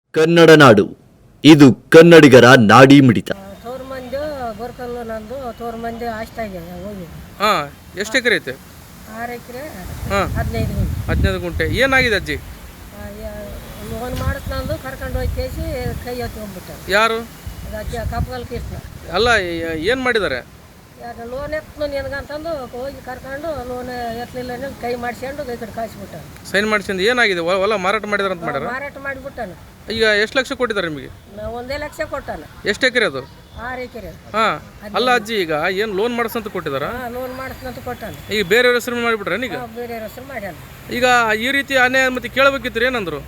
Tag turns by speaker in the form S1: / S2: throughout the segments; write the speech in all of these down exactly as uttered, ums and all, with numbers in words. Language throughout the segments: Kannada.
S1: ಕನ್ನಡ ನಾಡು ಇದು ಕನ್ನಡಿಗರ ನಾಡಿ ಮಿಡಿತ.
S2: ತೋರ್ ಮಂದಿ ಗೋರ್ಕಲ್ಲು ನಂದು ತೋರ್ ಮಂದಿ ಆಸ್ತಾಗೆ ಹೋಗಿ
S3: ಹಾಂ ಎಷ್ಟು ಎಕರೆ ಐತೆ?
S2: ಆರು ಎಕರೆ
S3: ಹಾಂ
S2: ಹದಿನೈದು ಗುಂಟೆ
S3: ಹದಿನೈದು ಗುಂಟೆ. ಏನಾಗಿದೆ ಅಜ್ಜಿ?
S2: ಲೋನ್ ಮಾಡತ್ ನಂದು ಕರ್ಕೊಂಡು ಹೋಗಿ ಕೇಸಿ ಕೈ ಎತ್ಕೊಂಡ್ಬಿಟ್ಟ.
S3: ಯಾರು?
S2: ಅದಕ್ಕೆ ಕಪ್ಪಗಲ್ ಕೃಷ್ಣ.
S3: ಅಲ್ಲ ಏನು ಮಾಡಿದ್ದಾರೆ?
S2: ಯಾಕೆ ಲೋನ್ ಎತ್ತು ನಿನಗಂತಂದು ಹೋಗಿ ಕರ್ಕೊಂಡು ಲೋನ್ ಎತ್ತಲಿಲ್ಲ ಕೈ ಮಾಡಿಸ್ಕೊಂಡು ಈ ಕಡೆ ಕಾಯಿಸ್ಬಿಟ್ಟ.
S3: ಸೈನ್ ಮಾಡಿಸಿಂದ ಏನಾಗಿದೆ? ಹೊಲ ಮಾರಾಟ ಮಾಡಿದಾರೆ ಅಂತ ಮಾಡ್ಯಾರ?
S2: ಮಾರಾಟ ಮಾಡಿಬಿಟ್ಟಾನ.
S3: ಈಗ ಎಷ್ಟು ಲಕ್ಷ ಕೊಟ್ಟಿದ್ದಾರೆ ನಿಮಗೆ?
S2: ಒಂದೇ ಲಕ್ಷ ಕೊಟ್ಟಾನ.
S3: ಎಷ್ಟು ಎಕರೆ ಅದು?
S2: ಆರು ಎಕರೆ.
S3: ಹಾಂ ಅಲ್ಲ ಅಜ್ಜಿ, ಈಗ ಏನು ಲೋನ್ ಮಾಡಿಸಂತ ಕೊಟ್ಟಿದಾರ?
S2: ಲೋನ್ ಮಾಡಿಸ್ನಂತ ಕೊಟ್ಟಾನ.
S3: ಈಗ ಬೇರೆಯವ್ರ ಹೆಸರು ಮಾಡಿಬಿಟ್ರೆ ಈಗ?
S2: ಬೇರೆ ಹೆಸರು ಮಾಡ್ಯಾನ.
S3: ಈಗ ಈ ರೀತಿ ಅನ್ಯಾಯ ಮತ್ತೆ ಕೇಳಬೇಕಿತ್ತು ಏನಂದ್ರು?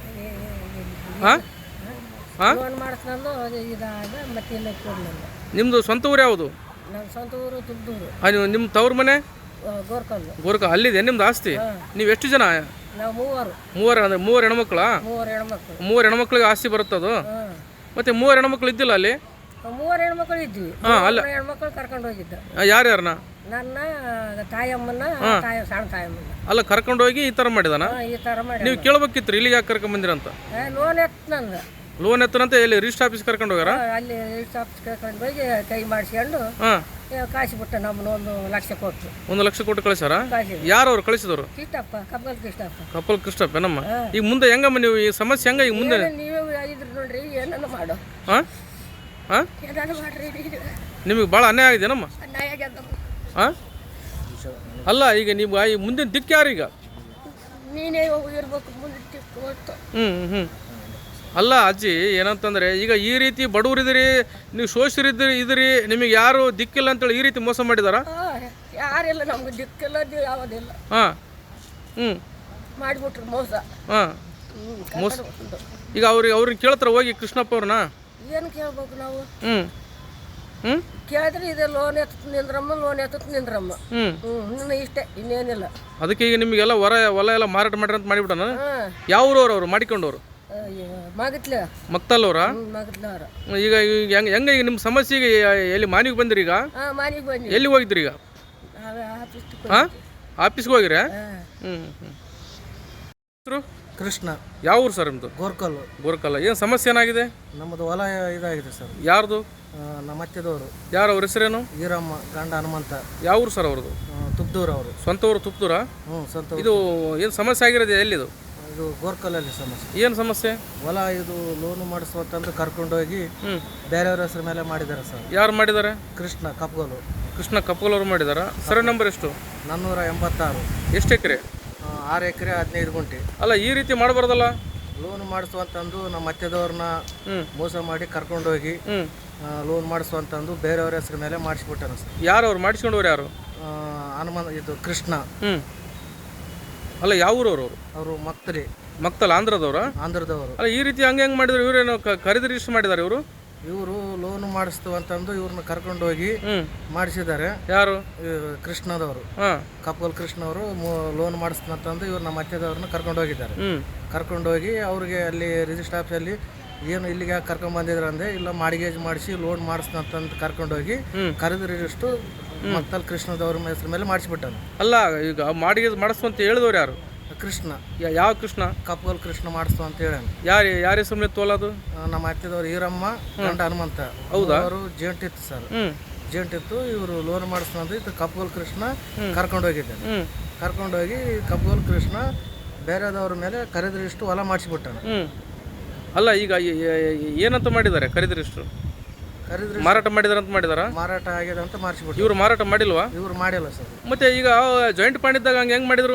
S3: ಹಾಂ ಹಾಂ
S2: ಲೋನ್ ಮಾಡಿಸ್ನಂದು ಇದಾಗ ಮತ್ತೆ ಇಲ್ಲ ಕೊಡಲಿಲ್ಲ.
S3: ನಿಮ್ಮದು ಸ್ವಂತ ಊರು ಯಾವುದು?
S2: ನಮ್ಮ ಸ್ವಂತ ಊರು ತುಬ್ದೂರು.
S3: ನೀವು ನಿಮ್ಮ ತವ್ರ ಮನೆ
S2: ಗೋರ್ಕಲ್ಲು.
S3: ಗೋರ್ಕ ಅಲ್ಲಿದೆ ನಿಮ್ದು ಆಸ್ತಿ? ನೀವು ಎಷ್ಟು ಜನ?
S2: ನಾವು ಮೂವರು.
S3: ಮೂವರು ಅಂದ್ರೆ ಮೂವರು ಹೆಣ್ಮಕ್ಳ?
S2: ಮೂವರು ಹೆಣ್ಮಕ್ಳು.
S3: ಮೂವರು ಹೆಣ್ಮಕ್ಳಿಗೆ ಆಸ್ತಿ ಬರುತ್ತದು?
S2: ಹಾಂ.
S3: ಮತ್ತೆ ಮೂವರು ಹೆಣ್ಮಕ್ಳು ಇದ್ದಿಲ್ಲ ಅಲ್ಲಿ?
S2: ಮೂವರು ಹೆಣ್ಮಕ್ಳು ಇದ್ವಿ.
S3: ಹಾಂ ಅಲ್ಲ
S2: ಹೆಣ್ಮಕ್ಳು ಕರ್ಕೊಂಡು ಹೋಗಿದ್ದ.
S3: ಯಾರ್ಯಾರನ್ನ?
S2: ನನ್ನ ತಾಯಮ್ಮನ ತಾಯ ಸಣ್ಣ ತಾಯಮ್ಮನ.
S3: ಅಲ್ಲ ಕರ್ಕೊಂಡು ಹೋಗಿ ಈ ಥರ ಮಾಡಿದಾನ?
S2: ಈ ಥರ ಮಾಡಿ
S3: ನೀವು ಕೇಳ್ಬೇಕಿತ್ತು ಇಲ್ಲಿಗೆ ಯಾಕೆ ಕರ್ಕೊಂಬಂದಿರಂತ?
S2: ಲೋನ್ ಎತ್ತು ನಂದ.
S3: ಲೋನ್ ಎತ್ತನಂತ ಎಲ್ಲಿ ರಿಜಿಸ್ಟರ್ ಆಫೀಸ್ ಕರ್ಕೊಂಡು ಹೋಗ್ಯಾರ?
S2: ಅಲ್ಲಿ ಆಫೀಸ್ ಕರ್ಕೊಂಡು ಹೋಗಿ ಕೈ ಮಾಡಿಸ್ಕೊಂಡು
S3: ಹಾಂ
S2: ಕಾಯಿಸ್ಬಿಟ್ಟ. ನಮ್ಮನ್ನ ಒಂದು ಲಕ್ಷ ಕೊಟ್ಟು.
S3: ಒಂದು ಲಕ್ಷ ಕೊಟ್ಟು ಕಳಿಸಾರ?
S2: ಕಾಯಿಸಿದ್ರು.
S3: ಯಾರು ಅವ್ರು ಕಳಿಸಿದವರು?
S2: ಕೃಷ್ಣಪ್ಪ, ಕಪ್ಪಗಲ್ ಕೃಷ್ಣಪ್ಪ.
S3: ಕಪ್ಪಲ್ ಕೃಷ್ಣಪ್ಪ ನಮ್ಮ. ಈಗ ಮುಂದೆ ಹೆಂಗಮ್ಮ ನೀವು ಈ ಸಮಸ್ಯೆ ಹೆಂಗ ಈಗ ಮುಂದೆ?
S2: ನೀವೇ ಇದ್ರಿ ನೋಡ್ರಿ, ಏನನ್ನ ಮಾಡು.
S3: ಹಾಂ ಹಾಂ
S2: ಏನಾರು ಮಾಡ್ರಿ.
S3: ನಿಮಗೆ ಭಾಳ ಅನ್ಯಾಯ ಆಗಿದೆ ನಮ್ಮ.
S2: ಅನ್ಯಾಯ ಆಗ್ಯದ.
S3: ಹಾಂ ಅಲ್ಲ ಈಗ ನೀವು ಈ ಮುಂದಿನ ದಿಕ್ಕು ಯಾರು ಈಗ?
S2: ನೀನೇ ಇರ್ಬೇಕು ಮುಂದೆ ಹೊತ್ತು.
S3: ಹ್ಞೂ ಹ್ಞೂ ಅಲ್ಲ ಅಜ್ಜಿ, ಏನಂತಂದರೆ ಈಗ ಈ ರೀತಿ ಬಡವರಿದ್ದೀರಿ, ನೀವು ಶೋಷರಿದ್ದೀರಿ ಇದ್ರಿ, ನಿಮಗೆ ಯಾರು ದಿಕ್ಕಿಲ್ಲ ಅಂತೇಳಿ ಈ ರೀತಿ ಮೋಸ ಮಾಡಿದಾರ?
S2: ಯಾರಿಲ್ಲ ನಮ್ಗೆ ದಿಕ್ಕಿಲ್ಲ ಯಾವುದಿಲ್ಲ.
S3: ಹಾಂ ಹ್ಞೂ
S2: ಮಾಡಿಬಿಟ್ರು ಮೋಸ.
S3: ಹಾಂ ಮೋಸ. ಈಗ ಅವ್ರಿಗೆ ಅವ್ರನ್ನ ಕೇಳ್ತಾರೆ ಹೋಗಿ ಕೃಷ್ಣಪ್ಪ ಅವ್ರನ್ನ?
S2: ಏನು ಕೇಳ್ಬೇಕು ನಾವು?
S3: ಹ್ಞೂ ಹ್ಞೂ
S2: ಕೇಳಿದ್ರೆ ಇದೆ ಲೋನ್ ಎತ್ತ ನಿಂದ್ರಮ್ಮ, ಲೋನ್ ಎತ್ತ ನಿಂದ್ರಮ್ಮ.
S3: ಹ್ಞೂ
S2: ಹ್ಞೂ ಇನ್ನು ಇಷ್ಟೇ, ಇನ್ನೇನಿಲ್ಲ.
S3: ಅದಕ್ಕೆ ಈಗ ನಿಮಗೆಲ್ಲ ಹೊರ ಹೊಲ ಎಲ್ಲ ಮಾರಾಟ ಮಾಡ್ರಿ ಅಂತ ಮಾಡಿಬಿಟ್ಟಾನ?
S2: ಹಾಂ.
S3: ಯಾವ ಊರವ್ರು ಅವರು ಮಾಡಿಕೊಂಡವ್ರು?
S2: ಮಗತ್ಲ
S3: ಮಕ್ತಲ್ಲವ್ರ?
S2: ಮಗತ್ಲವ್ರ.
S3: ಈಗ ಈಗ ಹೆಂಗೆ ಹೆಂಗೆ ಈಗ ನಿಮ್ಮ ಸಮಸ್ಯೆಗೆ ಎಲ್ಲಿ ಮಾನಿಗೆ ಬಂದಿರಿ ಈಗ?
S2: ಹಾಂ ಮಾನಿಗೆ ಬಂದ್ವಿ.
S3: ಎಲ್ಲಿ ಹೋಗಿದ್ರಿ ಈಗ? ಹಾಂ ಆಫೀಸ್ಗೆ ಹೋಗಿರಾ? ಹ್ಞೂ ಹ್ಞೂ ಹೆಸರು?
S4: ಕೃಷ್ಣ.
S3: ಯಾವ ಊರು ಸರ್ ನಿಮ್ಮದು?
S4: ಗೋರ್ಕಲ್ಲು.
S3: ಗೋರ್ಕಲ್ಲ. ಏನು ಸಮಸ್ಯೆ ಏನಾಗಿದೆ?
S4: ನಮ್ಮದು ಹೊಲ ಇದಾಗಿದೆ ಸರ್.
S3: ಯಾರ್ದು?
S4: ನಮ್ಮ ಅತ್ತೆದವರು.
S3: ಯಾರು ಅವ್ರ ಹೆಸರೇನು?
S4: ಈರಮ್ಮ, ಗಂಡ ಹನುಮಂತ.
S3: ಯಾವ ಊರು ಸರ್ ಅವ್ರದ್ದು?
S4: ತುಬ್ದೂರು ಅವರು.
S3: ಸ್ವಂತ ಊರು ತುಪ್ತೂರ?
S4: ಹ್ಞೂ ಸ್ವಂತ.
S3: ಇದು ಏನು ಸಮಸ್ಯೆ ಆಗಿರೋದು ಎಲ್ಲಿದು?
S4: ಇದು ಗೋರ್ಕಲ್ಲಲ್ಲಿ ಸಮಸ್ಯೆ.
S3: ಏನು ಸಮಸ್ಯೆ?
S4: ಹೊಲ ಇದು ಲೋನು ಮಾಡಿಸುವಂತಂದು ಕರ್ಕೊಂಡೋಗಿ
S3: ಹ್ಞೂ
S4: ಬೇರೆಯವ್ರ ಹೆಸರು ಮೇಲೆ ಮಾಡಿದ್ದಾರೆ ಸರ್.
S3: ಯಾರು ಮಾಡಿದ್ದಾರೆ?
S4: ಕೃಷ್ಣ ಕಪ್ಗೋಲು.
S3: ಕೃಷ್ಣ ಕಪ್ಪಗಲವ್ರು ಮಾಡಿದಾರ. ಸರಿ ನಂಬರ್ ಎಷ್ಟು?
S4: ನಾನ್ನೂರ ಎಂಬತ್ತಾರು.
S3: ಎಷ್ಟು ಎಕರೆ?
S4: ಆರು ಎಕರೆ ಹದಿನೈದು ಗುಂಟೆ.
S3: ಅಲ್ಲ ಈ ರೀತಿ ಮಾಡಬಾರ್ದಲ್ಲ.
S4: ಲೋನ್ ಮಾಡಿಸುವಂತಂದು ನಮ್ಮ ಅತ್ತೆದವ್ರನ್ನ
S3: ಹ್ಞೂ
S4: ಮೋಸ ಮಾಡಿ ಕರ್ಕೊಂಡೋಗಿ
S3: ಹ್ಞೂ
S4: ಲೋನ್ ಮಾಡಿಸುವಂತಂದು ಬೇರೆಯವ್ರ ಹೆಸರು ಮೇಲೆ ಮಾಡಿಸ್ಬಿಟ್ಟಾನ ಸರ್.
S3: ಯಾರು ಅವ್ರು ಮಾಡಿಸ್ಕೊಂಡವ್ರು ಯಾರು?
S4: ಹನುಮಂತ ಇದು ಕೃಷ್ಣ.
S3: ಹ್ಞೂ ಅಲ್ಲ ಯಾವ ಊರವ್ರು ಅವರು?
S4: ಅವರು ಮಕ್ತರಿ.
S3: ಮಕ್ತಲ್ ಆಂಧ್ರದವ್ರ?
S4: ಆಂಧ್ರದವರು.
S3: ಅಲ್ಲ ಈ ರೀತಿ ಹಂಗೆ ಹೆಂಗೆ ಮಾಡಿದ್ರು? ಇವರೇನು ಖರೀದಿ ರಿಜಿಸ್ಟರ್ ಮಾಡಿದ್ದಾರೆ ಇವರು?
S4: ಇವರು ಲೋನ್ ಮಾಡಿಸ್ತು ಅಂತಂದು ಇವ್ರನ್ನ ಕರ್ಕೊಂಡೋಗಿ
S3: ಹ್ಞೂ
S4: ಮಾಡಿಸಿದ್ದಾರೆ.
S3: ಯಾರು?
S4: ಕೃಷ್ಣದವರು.
S3: ಹಾಂ
S4: ಕಪ್ಪಲ್ ಕೃಷ್ಣವರು ಲೋನ್ ಮಾಡಿಸ್ತಂತಂದು ಇವ್ರು ನಮ್ಮ ಅತ್ತೆದವ್ರನ್ನ ಕರ್ಕೊಂಡೋಗಿದ್ದಾರೆ.
S3: ಹ್ಞೂ
S4: ಕರ್ಕೊಂಡೋಗಿ ಅವ್ರಿಗೆ ಅಲ್ಲಿ ರಿಜಿಸ್ಟರ್ ಆಫೀಸಲ್ಲಿ ಏನು ಇಲ್ಲಿಗೆ ಕರ್ಕೊಂಡ್ಬಂದಿದ್ರು ಅಂದರೆ ಇಲ್ಲ ಮಾಡಿಗೇಜ್ ಮಾಡಿಸಿ ಲೋನ್ ಮಾಡಿಸ್ತಂತಂದು ಕರ್ಕೊಂಡೋಗಿ ಖರೀದಿ ರಿಜಿಸ್ಟು ಮತ್ತಲ್ಲಿ ಕೃಷ್ಣದವ್ರ ಹೆಸರು ಮೇಲೆ ಮಾಡಿಸ್ಬಿಟ್ಟಾನ.
S3: ಅಲ್ಲ ಈಗ ಮಾಡಿಗೆ ಮಾಡಿಸ್ತು ಅಂತ ಹೇಳಿದವ್ರು ಯಾರು?
S4: ಕೃಷ್ಣ.
S3: ಯಾವ ಕೃಷ್ಣ?
S4: ಕಪ್ಪಲ್ ಕೃಷ್ಣ ಮಾಡಿಸ್ತು ಅಂತ ಹೇಳ.
S3: ಯಾರು ಯಾರ ಹೆಸರು ಮೇಲೆ ತೋಲದು?
S4: ನಮ್ಮ ಅತ್ತೆದವ್ರು ಈರಮ್ಮ, ಗಂಡ ಹನುಮಂತ.
S3: ಹೌದಾ?
S4: ಅವರು ಜೇಂಟ್ ಇತ್ತು ಸರ್.
S3: ಹ್ಞೂ
S4: ಜೇಂಟ್ ಇತ್ತು. ಇವರು ಲೋನ್ ಮಾಡಿಸ್ತಂದು ಇದು ಕಪ್ಪಲ್ ಕೃಷ್ಣ ಕರ್ಕೊಂಡೋಗಿದ್ದಾನೆ.
S3: ಹ್ಞೂ
S4: ಕರ್ಕೊಂಡೋಗಿ ಕಪ್ಪಲ್ ಕೃಷ್ಣ ಬೇರೆದವ್ರ ಮೇಲೆ ಖರೀದಿ ರಿಜಿಸ್ಟು ಹೊಲ ಮಾಡಿಸ್ಬಿಟ್ಟಾನ.
S3: ಹ್ಞೂ ಅಲ್ಲ ಈಗ ಏನಂತ ಮಾಡಿದ್ದಾರೆ ಖರೀದಿ ರಿಜಿಸ್ಟ್ರು?
S4: ಖರೀದಿ
S3: ಮಾರಾಟ ಮಾಡಿದಾರೆ ಅಂತ ಮಾಡಿದಾರ?
S4: ಮಾರಾಟ ಆಗಿದೆ ಅಂತ ಮಾಡಿಸ್ಬಿಟ್ಟು.
S3: ಇವರು ಮಾರಾಟ ಮಾಡಿಲ್ವಾ?
S4: ಇವ್ರು ಮಾಡಿಲ್ಲ ಸರ್.
S3: ಮತ್ತೆ ಈಗ ಜಾಯಿಂಟ್ ಫಂಡ್ ಇದ್ದಾಗ ಹಂಗೆ ಹೆಂಗೆ ಮಾಡಿದ್ರು?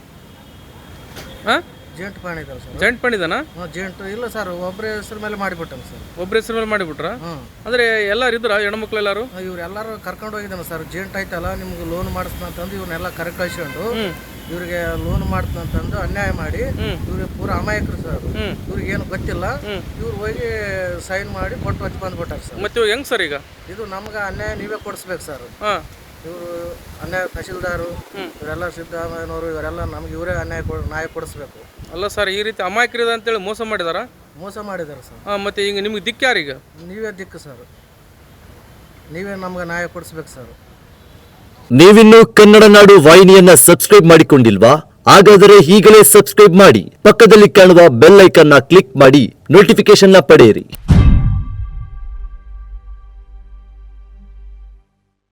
S3: ಹಾಂ
S4: ಜೇಂಟ್ ಪಾಣಿ ಇದಾವೆ ಸರ್.
S3: Joint fund ಇದಾನ?
S4: ಹ್ಞೂ ಜೇಂಟ್ ಇಲ್ಲ ಸರ್, ಒಬ್ಬರ ಹೆಸರು ಮೇಲೆ ಮಾಡಿಬಿಟ್ಟಾನ ಸರ್.
S3: ಒಬ್ಬರ ಹೆಸರು ಮೇಲೆ ಮಾಡಿಬಿಟ್ರ?
S4: ಹ್ಞೂ
S3: ಅಂದರೆ ಎಲ್ಲರೂ ಇದ್ರ ಹೆಣ್ಮಕ್ಳು ಎಲ್ಲರೂ?
S4: ಇವ್ರು ಎಲ್ಲರೂ ಕರ್ಕೊಂಡು ಹೋಗಿದ್ದಾನೆ ಸರ್. ಜೇಂಟ್ ಆಯ್ತಲ್ಲ ನಿಮ್ಗೆ ಲೋನ್ ಮಾಡಿಸ್ತಂತಂದು ಇವ್ರನ್ನೆಲ್ಲ ಕರೆ ಕಳಿಸ್ಕೊಂಡು ಇವ್ರಿಗೆ ಲೋನ್ ಮಾಡ್ತಂತಂದು ಅನ್ಯಾಯ ಮಾಡಿ ಇವ್ರಿಗೆ ಪೂರ ಅಮಾಯಕರು ಸರ್. ಇವ್ರಿಗೆ ಏನು ಗೊತ್ತಿಲ್ಲ. ಇವ್ರು ಹೋಗಿ ಸೈನ್ ಮಾಡಿ ಕೊಟ್ಟು ಹಚ್ಚಿ ಬಂದ್ಬಿಟ್ಟಾರೆ ಸರ್.
S3: ಮತ್ತೆ ಇವಾಗ ಹೆಂಗೆ ಸರ್ ಈಗ?
S4: ಇದು ನಮ್ಗೆ ಅನ್ಯಾಯ ನೀವೇ ಕೊಡಿಸ್ಬೇಕು ಸರ್.
S3: ಹಾಂ
S4: ಇವರು ಅನ್ಯಾಯ ತಹಶೀಲ್ದಾರು ಇವರೆಲ್ಲ ಸಿದ್ದರಾಮಯ್ಯನವರು ಇವರೆಲ್ಲ ನಮ್ಗೆ ಇವರೇ ಅನ್ಯಾಯ ಕೊಡ ನ್ಯಾಯ ಕೊಡಿಸ್ಬೇಕು.
S3: ಅಲ್ಲ ಸರ್ ಈ ರೀತಿ ಅಮಾಯಕರಿದೆ ಅಂತೇಳಿ ಮೋಸ ಮಾಡಿದಾರ?
S4: ಮೋಸ ಮಾಡಿದ್ದಾರೆ ಸರ್.
S3: ಹಾಂ ಮತ್ತೆ ಈಗ ನಿಮ್ಗೆ ದಿಕ್ಕು ಯಾರೀಗ?
S4: ನೀವೇ ದಿಕ್ಕು ಸರ್. ನೀವೇ ನಮ್ಗೆ ನ್ಯಾಯ ಕೊಡಿಸ್ಬೇಕು ಸರ್.
S1: ನೀವಿನ್ನೂ ಕನ್ನಡ ನಾಡು ವಾಹಿನಿಯನ್ನ ಸಬ್ಸ್ಕ್ರೈಬ್ ಮಾಡಿಕೊಂಡಿಲ್ವಾ? ಹಾಗಾದರೆ ಈಗಲೇ ಸಬ್ಸ್ಕ್ರೈಬ್ ಮಾಡಿ, ಪಕ್ಕದಲ್ಲಿ ಕಾಣುವ ಬೆಲ್ ಐಕಾನ್ ನ ಕ್ಲಿಕ್ ಮಾಡಿ ನೋಟಿಫಿಕೇಶನ್ ನ ಪಡೆಯಿರಿ.